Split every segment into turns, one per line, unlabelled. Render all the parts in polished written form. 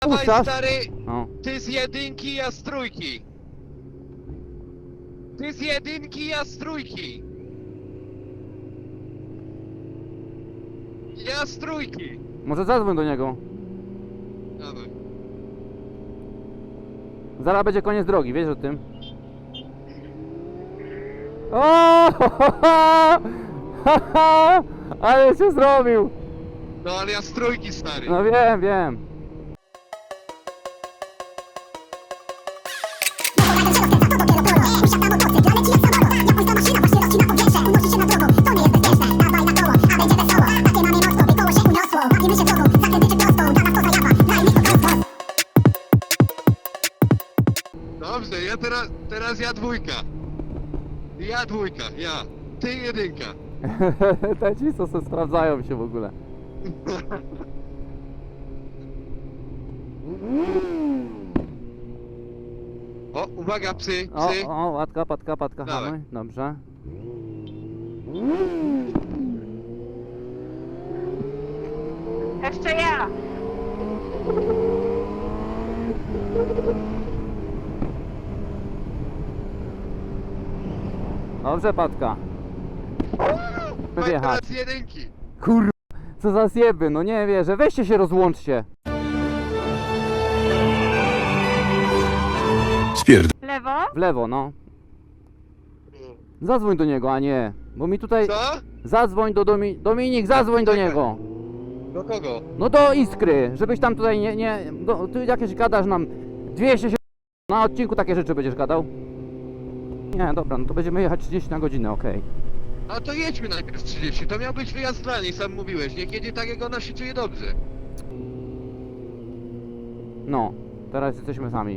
Dawaj,
Puszczasz?
stary,
No.
ty z jedynki, ja z trójki. Ty z jedynki, ja z trójki. Ja z trójki.
Może zadzwoń do niego.
Dawaj.
Zaraz będzie koniec drogi, wiesz o tym? O! Ale się zrobił!
No ale ja z trójki, stary.
No wiem, wiem.
Dobrze, ja teraz ja dwójka. Ja dwójka, ja. Ty jedynka.
Te ci co se sprawdzają się w ogóle.
O, uwaga, psy,
O,
psy.
o, łatka, patka,
Dawaj.
hamuj. Dobrze.
Jeszcze ja!
Dobrze, patka. Wyjechać.
Teraz jedynki.
Kur... Co za zjeby, no nie wierzę. Weźcie się, rozłączcie.
Lewo?
W lewo, no. Zadzwoń do niego, a nie. Bo mi tutaj...
Co?
Zadzwoń do Dominik, zadzwoń do
Czekaj.
niego.
Do kogo?
No do Iskry, żebyś tam tutaj ty jakieś gadasz nam 200 się... Na odcinku takie rzeczy będziesz gadał? Nie, dobra, no to będziemy jechać 30 na godzinę, okej.
A to jedźmy najpierw 30, to miał być wyjazd dla niej, sam mówiłeś. Niech jedzie tak, jak ona się czuje dobrze.
No, teraz jesteśmy sami.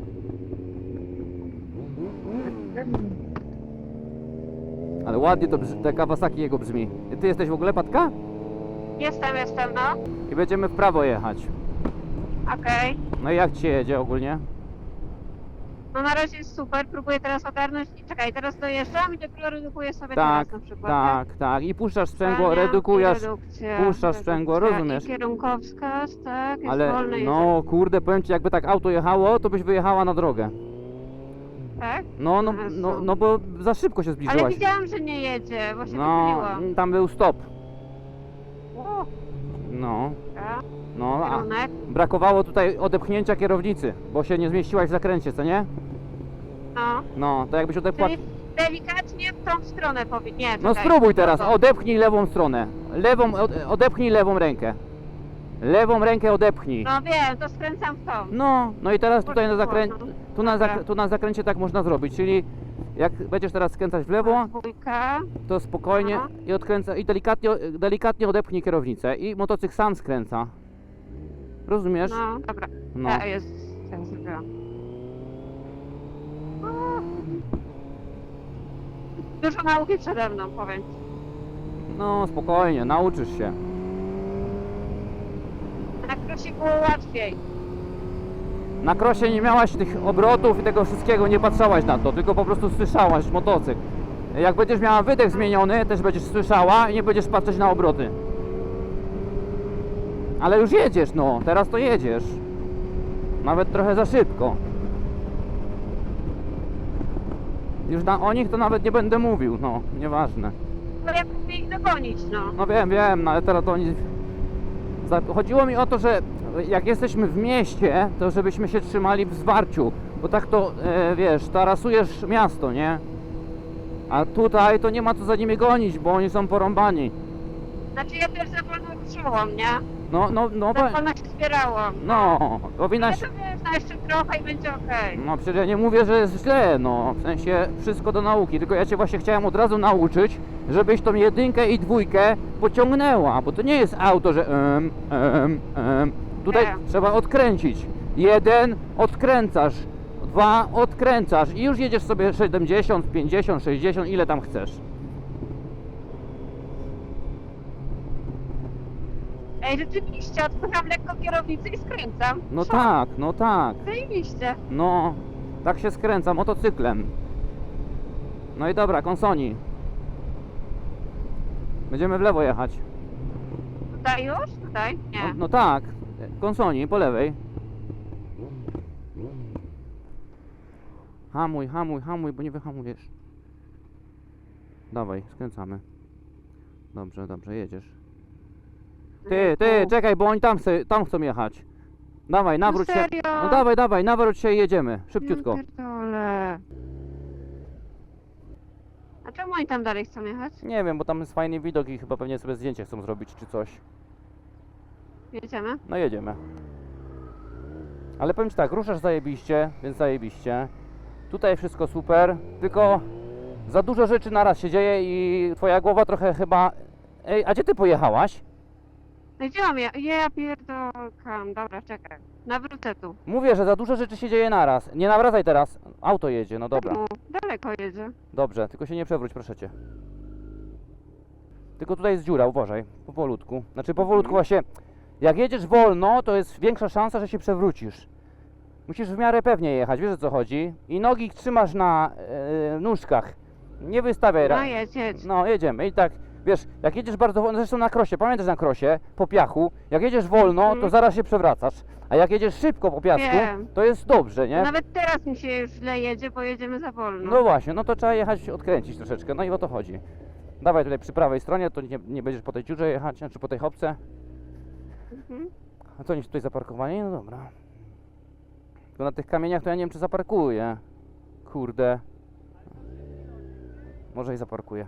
Ale ładnie to te Kawasaki jego brzmi. Ty jesteś w ogóle, Patka?
Jestem, no.
I będziemy w prawo jechać.
Okej.
No i jak ci się jedzie ogólnie?
No na razie jest super, próbuję teraz ogarnąć. Czekaj, teraz dojeżdżam i dopiero redukuję sobie
Tak,
teraz na przykład.
tak. I puszczasz sprzęgło,
Zwalniam
redukujesz,
i redukcja,
puszczasz sprzęgło,
redukcja
rozumiesz?
I kierunkowskaz, tak, jest
Ale
wolny
no kurde, powiem ci, jakby tak auto jechało, to byś wyjechała na drogę.
tak?
No bo za szybko się
Ale
zbliżyłaś.
widziałam, że nie jedzie, bo się
No,
wychyliłam.
tam był stop.
O,
No,
tak,
no, a
kierunek.
brakowało tutaj odepchnięcia kierownicy, bo się nie zmieściłaś w zakręcie, co nie?
No,
No, to jakbyś odepła...
czyli delikatnie w tą stronę powinien. Nie,
No
czekaj,
spróbuj teraz,
to.
odepchnij lewą stronę. Odepchnij lewą rękę. Lewą rękę odepchnij.
No wiem, to skręcam w tą.
No i teraz tutaj na zakręcie,
Dobra.
tu na zakręcie tak można zrobić, czyli jak będziesz teraz skręcać w lewo,
Dwójka.
to spokojnie
Aha.
i odkręca i delikatnie odepchnij kierownicę i motocykl sam skręca. Rozumiesz?
No, dobra.
No.
Ja zrobiłam. Dużo nauki przede mną, powiem ci.
No spokojnie, nauczysz się.
Na krosie było łatwiej.
Na krosie nie miałaś tych obrotów i tego wszystkiego, nie patrzałaś na to, tylko po prostu słyszałaś motocykl. Jak będziesz miała wydech zmieniony, też będziesz słyszała i nie będziesz patrzeć na obroty. Ale już jedziesz, no, teraz to jedziesz. Nawet trochę za szybko. Już o nich to nawet nie będę mówił, no, nieważne.
No jak mówię ich dogonić, no.
No wiem, no ale teraz to oni... Chodziło mi o to, że jak jesteśmy w mieście, to żebyśmy się trzymali w zwarciu, bo tak to, wiesz, tarasujesz miasto, nie? A tutaj to nie ma co za nimi gonić, bo oni są porąbani.
Znaczy ja też za wolno ruszyłam, nie?
No,
Za wolno się zbierałam.
no,
Ja
powinnaś...
to wiesz, no jeszcze trochę i będzie okej.
No przecież ja nie mówię, że jest źle, no, w sensie wszystko do nauki, tylko ja Cię właśnie chciałem od razu nauczyć, żebyś tą jedynkę i dwójkę pociągnęła, bo to nie jest auto, że tutaj
Nie.
trzeba odkręcić. 1 odkręcasz, 2 odkręcasz i już jedziesz sobie 70, 50, 60, ile tam chcesz.
Ej, rzeczywiście, odpycham lekko kierownicę i skręcam.
No tak,
Zajebiście.
no, tak się skręca motocyklem. No i dobra, konsoni. Będziemy w lewo jechać.
Tutaj już? Tutaj? Nie.
No tak, konsoni po lewej. Hamuj, hamuj, hamuj, bo nie wyhamujesz. Dawaj, skręcamy. Dobrze, dobrze, jedziesz. Ty, czekaj, bo oni tam chcą jechać. Dawaj, nawróć się.
serio?
No dawaj, dawaj, nawróć się i jedziemy. Szybciutko.
Ja pierdolę. A czemu oni tam dalej chcą jechać?
Nie wiem, bo tam jest fajny widok i chyba pewnie sobie zdjęcie chcą zrobić czy coś.
Jedziemy?
No jedziemy. Ale powiem ci tak, ruszasz zajebiście, więc zajebiście. Tutaj wszystko super, tylko za dużo rzeczy naraz się dzieje i twoja głowa trochę chyba... Ej, a gdzie ty pojechałaś?
No gdzie mam ja? Ja pierdolkam. Dobra, czekaj. Nawrócę tu.
Mówię, że za dużo rzeczy się dzieje naraz. Nie nawracaj teraz. Auto jedzie, no dobra.
Czemu? Daleko jedzie.
Dobrze, tylko się nie przewróć, proszę cię. Tylko tutaj jest dziura, uważaj. Powolutku. Znaczy powolutku właśnie. Jak jedziesz wolno, to jest większa szansa, że się przewrócisz. Musisz w miarę pewnie jechać, wiesz o co chodzi? I nogi trzymasz na nóżkach. Nie wystawiaj.
No jedź.
No, jedziemy. I tak, wiesz, jak jedziesz bardzo wolno, zresztą na krosie, pamiętasz na krosie, po piachu, jak jedziesz wolno, to zaraz się przewracasz. A jak jedziesz szybko po piasku,
Wiem.
to jest dobrze, nie?
Nawet teraz mi się już źle jedzie, bo jedziemy za wolno.
No właśnie, no to trzeba jechać, odkręcić troszeczkę, no i o to chodzi. Dawaj tutaj przy prawej stronie, to nie będziesz po tej dziurze jechać, czy po tej chopce.
Mhm.
A co, oni tutaj zaparkowani? No dobra. Tylko na tych kamieniach to ja nie wiem, czy zaparkuję. Kurde. Może i zaparkuję.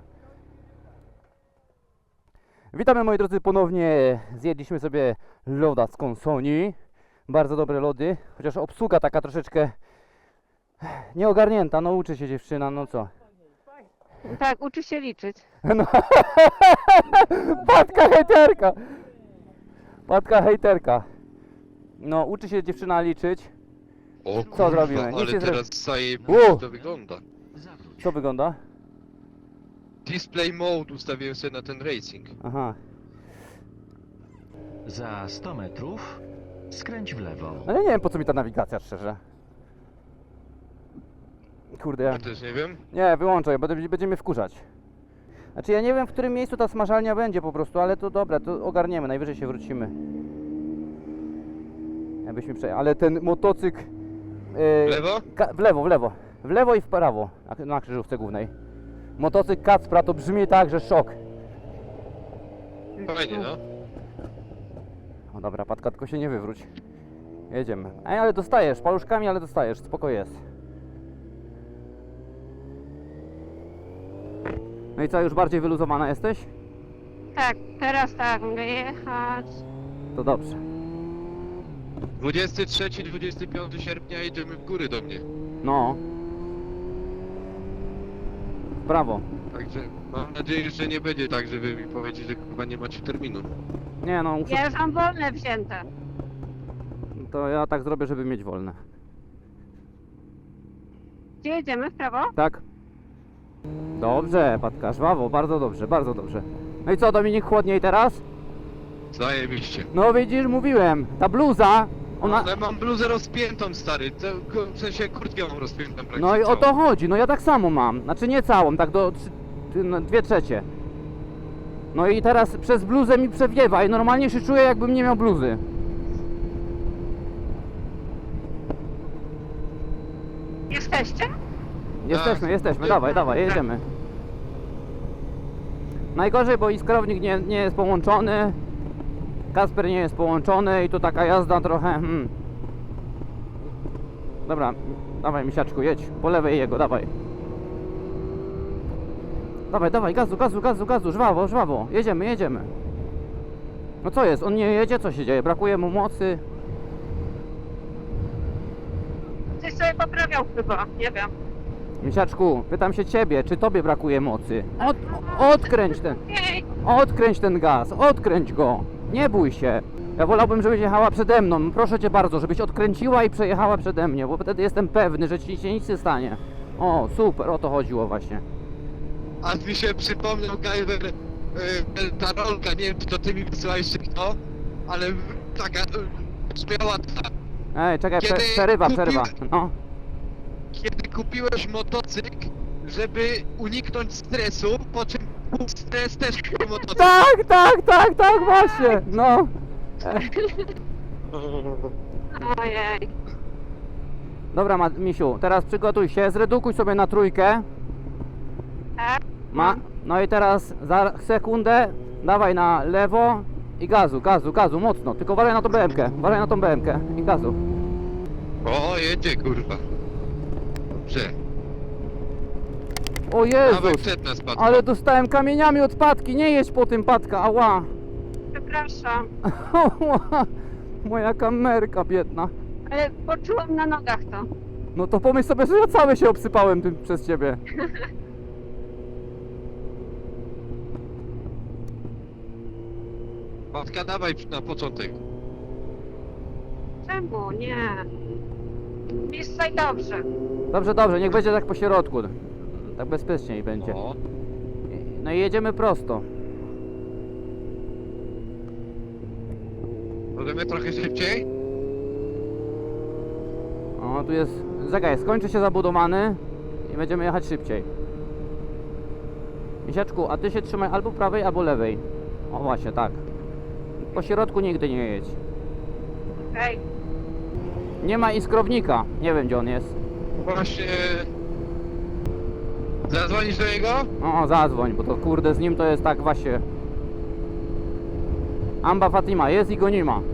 Witamy, moi drodzy, ponownie. Zjedliśmy sobie loda z konsoni. Bardzo dobre lody, chociaż obsługa taka troszeczkę nieogarnięta. No uczy się dziewczyna, no co.
Tak, uczy się liczyć.
No. Patka hejterka. Patka hejterka. No, uczy się dziewczyna liczyć.
O
Co
kurwa,
zrobimy? Nic
ale
nie
teraz zajebiście to wygląda.
Co wygląda?
Display mode ustawiłem sobie na ten racing.
Aha.
Za 100 metrów skręć w lewo.
Ale nie wiem, po co mi ta nawigacja, szczerze. Kurde, ja...
Ja też nie wiem.
Nie, wyłączaj, bo będzie mnie wkurzać. Znaczy, ja nie wiem, w którym miejscu ta smażalnia będzie po prostu, ale to dobra, to ogarniemy, najwyżej się wrócimy. Jakbyśmy przejechali, ale ten motocykl...
W lewo?
W lewo. W lewo i w prawo, na krzyżówce głównej. Motocykl Kacpra to brzmi tak, że szok.
Fajnie, no.
O dobra, Patka, tylko się nie wywróć. Jedziemy. Ej, ale dostajesz, paluszkami, ale dostajesz, spoko jest. No i co, już bardziej wyluzowana jesteś?
Tak, teraz tak, mogę jechać.
To dobrze.
23-25 sierpnia jedziemy w góry do mnie.
No. W prawo.
Także mam nadzieję, że nie będzie tak, że wy mi powiecie, że chyba nie macie terminu.
Nie no, muszę...
Ja już mam wolne wzięte.
To ja tak zrobię, żeby mieć wolne.
Gdzie jedziemy? W prawo?
Tak? Dobrze, Patka, żwawo, bardzo dobrze, bardzo dobrze. No i co, Dominik, chłodniej teraz?
Zajebiście.
No widzisz, mówiłem, ta bluza, ona...
Ale mam bluzę rozpiętą, stary. W sensie kurtkę mam rozpiętą praktycznie
No i o
całą.
to chodzi, no ja tak samo mam. Znaczy nie całą, tak do 2/3. No i teraz przez bluzę mi przewiewa i normalnie się czuję, jakbym nie miał bluzy.
Jesteście?
Jesteśmy, dawaj, dawaj, jedziemy. Najgorzej, bo iskrownik nie jest połączony, Kasper nie jest połączony i tu taka jazda trochę... Dobra, dawaj misiaczku, jedź, po lewej jego, dawaj. Dawaj, gazu, żwawo, jedziemy. No co jest, on nie jedzie, co się dzieje, brakuje mu mocy.
Coś sobie poprawiał chyba, nie wiem.
Misiaczku, pytam się ciebie, czy tobie brakuje mocy? Odkręć ten gaz, odkręć go, nie bój się. Ja wolałbym, żebyś jechała przede mną, proszę cię bardzo, żebyś odkręciła i przejechała przede mnie, bo wtedy jestem pewny, że ci się nic nie stanie. O, super, o to chodziło właśnie.
A mi się przypomniał Gajwer, ta rolka, nie wiem czy to ty mi wysyłałeś czy kto, ale taka śmiała ta.
Ej, czekaj,
Kiedy
przerywa. No.
Kiedy kupiłeś motocykl, żeby uniknąć stresu, po czym był stres też kupił motocykl.
Tak, właśnie, no.
Ojej.
Dobra, Misiu, teraz przygotuj się, zredukuj sobie na trójkę.
Tak?
No i teraz za sekundę dawaj na lewo i gazu, mocno. Tylko uważaj na tą BM-kę i gazu.
O, jedzie kurwa. Dobrze.
O
Dawaj
Jezus,
przed nas, Patko.
ale dostałem kamieniami od Patki, nie jedź po tym, Patka, ała.
Przepraszam,
Ała, moja kamerka biedna.
ale poczułam na nogach to.
No to pomyśl sobie, że ja cały się obsypałem tym przez ciebie.
Patka, dawaj na początek.
Czemu? Nie. Jest tutaj dobrze.
Dobrze, niech będzie tak po środku. Tak bezpieczniej będzie.
O,
No i jedziemy prosto.
możemy trochę szybciej?
O, tu jest... Czekaj, skończy się zabudowany i będziemy jechać szybciej. Misiaczku, a ty się trzymaj albo prawej, albo lewej. O właśnie, tak. Po środku nigdy nie jedź.
Okej.
Nie ma iskrownika. Nie wiem, gdzie on jest.
Właśnie... Zadzwonisz do niego?
O, zadzwoń, bo to kurde z nim to jest tak właśnie. Amba Fatima, jest i go nie ma.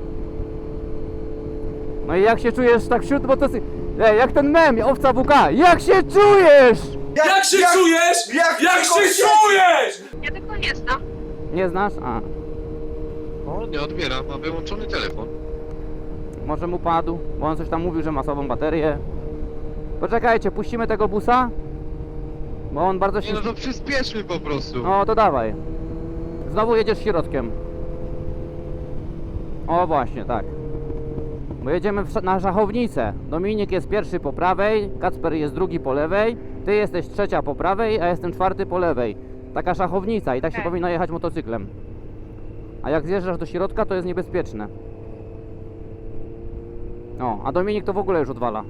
No i jak się czujesz tak wśród, bo to jest... jak ten mem, owca WK, jak się czujesz?
Jak się czujesz? Jak się czujesz?
Ja tego nie znam.
Nie znasz? A,
O, nie odbiera, ma wyłączony telefon.
może mu padł, bo on coś tam mówił, że ma słabą baterię. Poczekajcie, puścimy tego busa? Bo on bardzo
Nie
się...
no, to przyspieszmy po prostu.
No to dawaj. Znowu jedziesz środkiem. O właśnie, tak. Bo jedziemy na szachownicę. Dominik jest pierwszy po prawej, Kacper jest drugi po lewej, ty jesteś trzecia po prawej, a jestem czwarty po lewej. Taka szachownica i tak się
Okej.
powinno jechać motocyklem. A jak zjeżdżasz do środka, to jest niebezpieczne. O, a Dominik to w ogóle już odwala.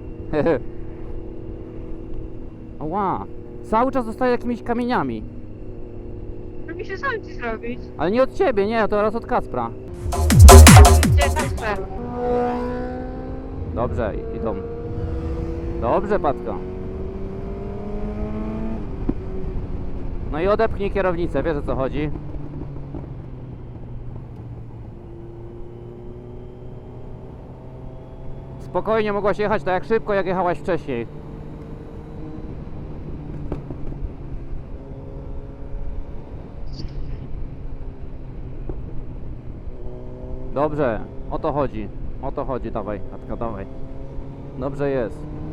Ła, cały czas dostaje jakimiś kamieniami.
To mi się sam ci zrobić.
Ale nie od ciebie, nie, to raz od Kacpra.
Gdzie Kasper?
Dobrze, idą. Dobrze, Patka. No i odepchnij kierownicę, wiesz o co chodzi. Spokojnie mogłaś jechać tak jak szybko, jak jechałaś wcześniej. Dobrze, o to chodzi. O to chodzi, dawaj, Katka, dawaj. Dobrze jest.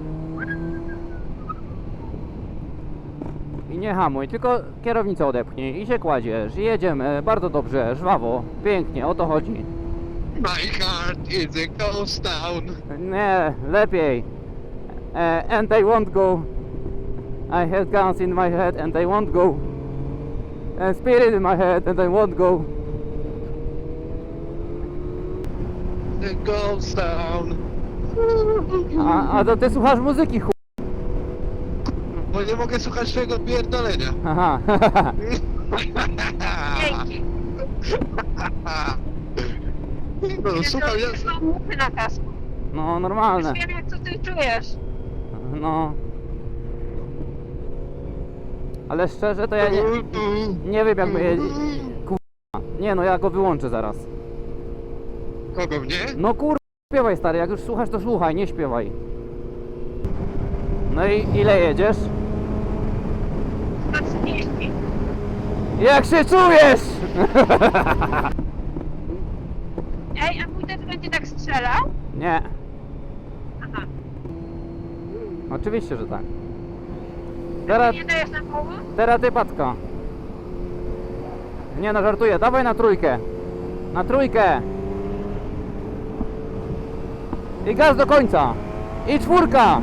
I nie hamuj, tylko kierownicę odepchnij i się kładziesz. I jedziemy, bardzo dobrze, żwawo, pięknie, o to chodzi.
My heart is a ghost town.
Nie, lepiej. And they won't go. I have guns in my head and they won't go. And spirit in my head and they won't go.
The ghost town.
A to ty słuchasz muzyki,
Bo nie mogę słuchać swojego pierdolenia.
Aha.
Dzięki.
No, słuchaj, ja...
Są muchy na kasku.
No, normalne.
Już wiem jak co ty czujesz.
No. Ale szczerze to ja nie wiem jak my Nie no, ja go wyłączę zaraz.
Kogo mnie?
No kur... śpiewaj stary, jak już słuchasz to słuchaj, nie śpiewaj. No i ile jedziesz?
130.
Jak się czujesz?
Ej, a mój też będzie tak strzelał?
Nie,
Aha.
oczywiście, że tak.
Ty
Teraz,
nie dajesz na połowę?
teraz ty, Patka. Nie no, żartuję, dawaj na trójkę. Na trójkę. I gaz do końca. I czwórka.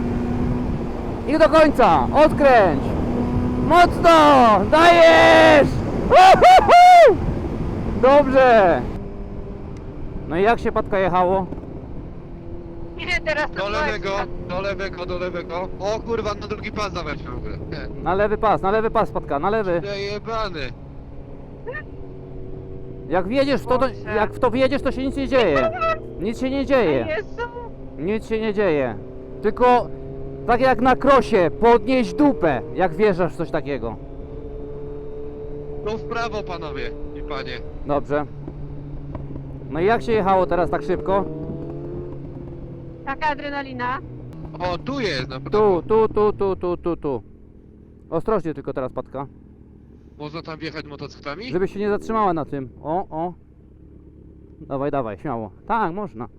I do końca. Odkręć. Mocno. Dajesz. Uhuhu! Dobrze. No i jak się, Patka, jechało?
Nie, teraz to
Do
była
lewego,
ekstra.
do lewego, do lewego. O kurwa, na drugi pas dawać w ogóle. Nie.
Na lewy pas, Patka, na lewy.
Przejebany.
Jak wjedziesz w to,
Boże.
jak w to wjedziesz, to się nic nie dzieje. Nic się nie dzieje.
Jezu.
Nic się nie dzieje. Tylko tak jak na krosie, podnieść dupę, jak wjeżdżasz w coś takiego.
No w prawo, panowie i panie.
Dobrze. No i jak się jechało teraz tak szybko?
Taka adrenalina.
O, tu jest na prawo.
Tu. Ostrożnie tylko teraz, Patka.
Można tam wjechać motocyklami?
Żebyś się nie zatrzymała na tym. O. Dawaj, śmiało. Tak, można.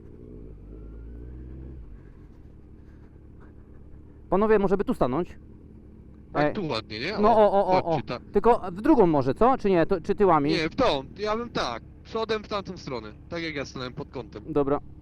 Panowie, może by tu stanąć?
Tak, tu ładnie, nie?
No o.
Chodźcie tam.
Tylko w drugą może, co? Czy nie? Czy tyłami?
Nie, w tą. Ja bym tak. Przodem w tamtą stronę. Tak jak ja stanąłem pod kątem.
Dobra.